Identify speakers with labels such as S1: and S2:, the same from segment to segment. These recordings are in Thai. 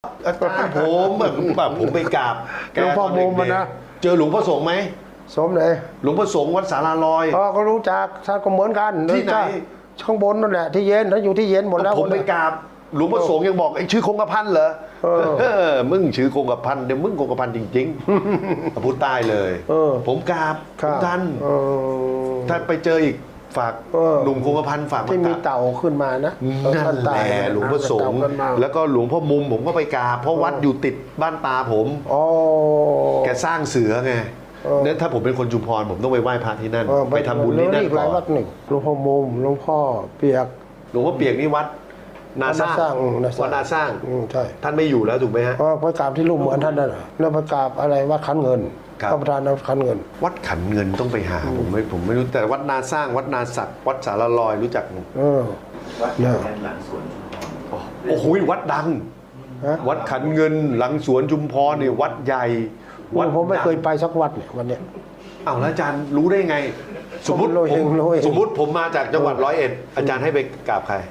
S1: อาจารย์ผมแบบผมไปกราบ
S2: หลวงพ่อมุมมันนะ
S1: เจอหลวงพ่อสงฆ์ไหม
S2: สมเลย
S1: หลวงพ่อสงฆ์วัดสาราลอย
S2: ก็รู้จักท่านก็เหมือนกัน
S1: ที่ไหน
S2: ข้างบนนั่นแหละที่เย็นท่านอยู่ที่เย็นหมดแล้ว
S1: ผมไปกราบหลวงพ่อสงฆ์ยังบอกไอ้ชื่อคงกระพันเหรอมึงชื่อคงกระพันเดี๋ยวมึงคงกระพันจริงๆพูดใต้เลยผมกราบท่านถ้าไปเจออีกฝากหนุ่มคงกระพันฝาก
S2: ที่มีเต่าขึ้นมานะ
S1: นั่นแหละหลวงพ่อสงฆ์แล้วก็หลวงพ่อมุมผมก็ไปกราบเพราะวัดอยู่ติดบ้านตาผมแกสร้างเสือไงเนี่ยถ้าผมเป็นคนชุมพรผมต้องไปไหว้พระที่นั่นไปทำบุญที่นั่นก่อน
S2: วัดหนึ่งหลวงพ่อมุมหลวงพ่อเปียก
S1: หลวงพ่อเปียกนี่วัดนาสร้างวัดนาสร้าง
S2: ใช่
S1: ท่านไม่อยู่แล้วถูกไหมฮะ
S2: ไปกราบที่รูปเหมือนท่านนั่นแล้วไปกราบอะไรวัดขันเงินพระประธานวัดขันเงิน
S1: วัดขันเงินต้องไปหาผมไม่รู้แต่วัดนาสร้างวัดนาศักดิ์วัดสารลอยรู้จักมั้ย
S3: วัดหลังสวน
S1: โอ้โหวัดดังวัดขันเงินหลังสวนชุมพรนี่วัดใหญ่
S2: ผมไม่เคยไปสักวัดเนี่ยวันเนี้ย
S1: อ้าวแล้วอาจารย์รู้ได้ไงสมมติผมมาจากจังหวัด101อาจารย์ให้ไปกราบใคร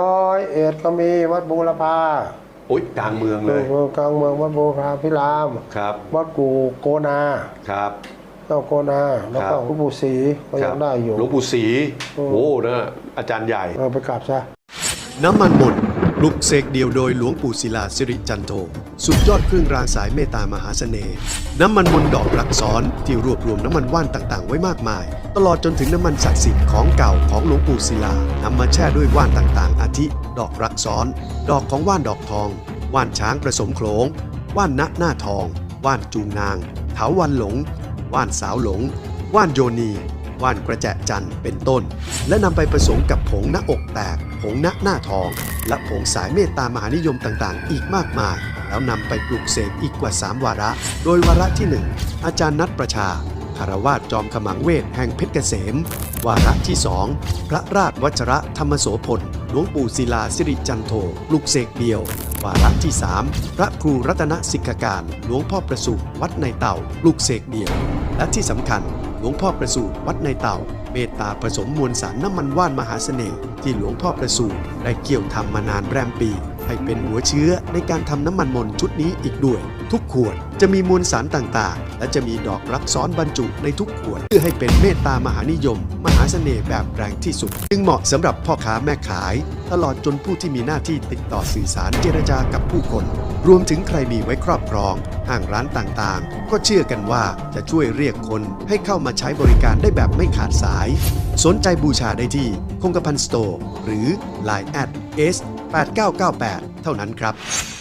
S2: 101ก็มีวัดบูรพา
S1: โอ้ยกลางเมืองเลย
S2: กลางเมืองวัดบูรพาพิราม
S1: ครับ
S2: วัดกูโกนา
S1: ครับ
S2: เจ้าโกนาแล้วก็หลวงปู่ศรีก็ยังได้อยู่
S1: หลวงปู่ศรีโอ้นะอาจารย์ใหญ่
S2: ไปกราบซะ
S4: น้ำมันมนต์ปลุกเสกเดียวโดยหลวงปู่ศิลาสิริจันโทสุดยอดเครื่องรางสายเมตตามหาเสน่ห์น้ำมันมนต์ดอกรักซ้อนที่รวบรวมน้ำมันว่านต่างๆไว้มากมายตลอดจนถึงน้ำมันศักดิ์สิทธิ์ของเก่าของหลวงปู่ศิลานำมาแช่ด้วยว่านต่างๆอาทิดอกรักซ้อนดอกของว่านดอกทองว่านช้างผสมโขลงว่านณหน้าทองว่านจูงนางเถาวัลย์หลงว่านสาวหลงว่านโยนีว่านกระแจจันทร์เป็นต้นและนำไปผสมกับผงหน้าอกแตกผงณหน้าทองและผงสายเมตตามหานิยมต่างๆอีกมากมายแล้วนำไปปลูกเสกอีกกว่า3วาระโดยวาระที่1อาจารย์นัทประชาคารวาสจอมขมังเวทแห่งเพชรเกษมวาระที่2พระราชวัชระธรรมโสพลหลวงปู่ศิลาสิริจันโทปลุกเสกเดียววาระที่3พระครูรัตนสิกขการหลวงพ่อประสูติวัดในเต่าปลุกเสกเดียวและที่สำคัญหลวงพ่อประสูติวัดในเต่าเมตตาผสมมวลสารน้ำมันว่านมหาเสน่ห์ที่หลวงพ่อประสูติได้เกี่ยวทำมานานแรมปีให้เป็นหัวเชื้อในการทำน้ำมันมนต์ชุดนี้อีกด้วยทุกขวดจะมีมวลสารต่างๆและจะมีดอกรักซ้อนบรรจุในทุกขวดเพื่อให้เป็นเมตตามหานิยมมหาเสน่ห์แบบแรงที่สุดจึงเหมาะสำหรับพ่อค้าแม่ขายตลอดจนผู้ที่มีหน้าที่ติดต่อสื่อสารเจรจากับผู้คนรวมถึงใครมีไว้ครอบครองห้างร้านต่างๆก็เชื่อกันว่าจะช่วยเรียกคนให้เข้ามาใช้บริการได้แบบไม่ขาดสายสนใจบูชาได้ที่คงกระพันสโตร์หรือ Line@ S8998 เท่านั้นครับ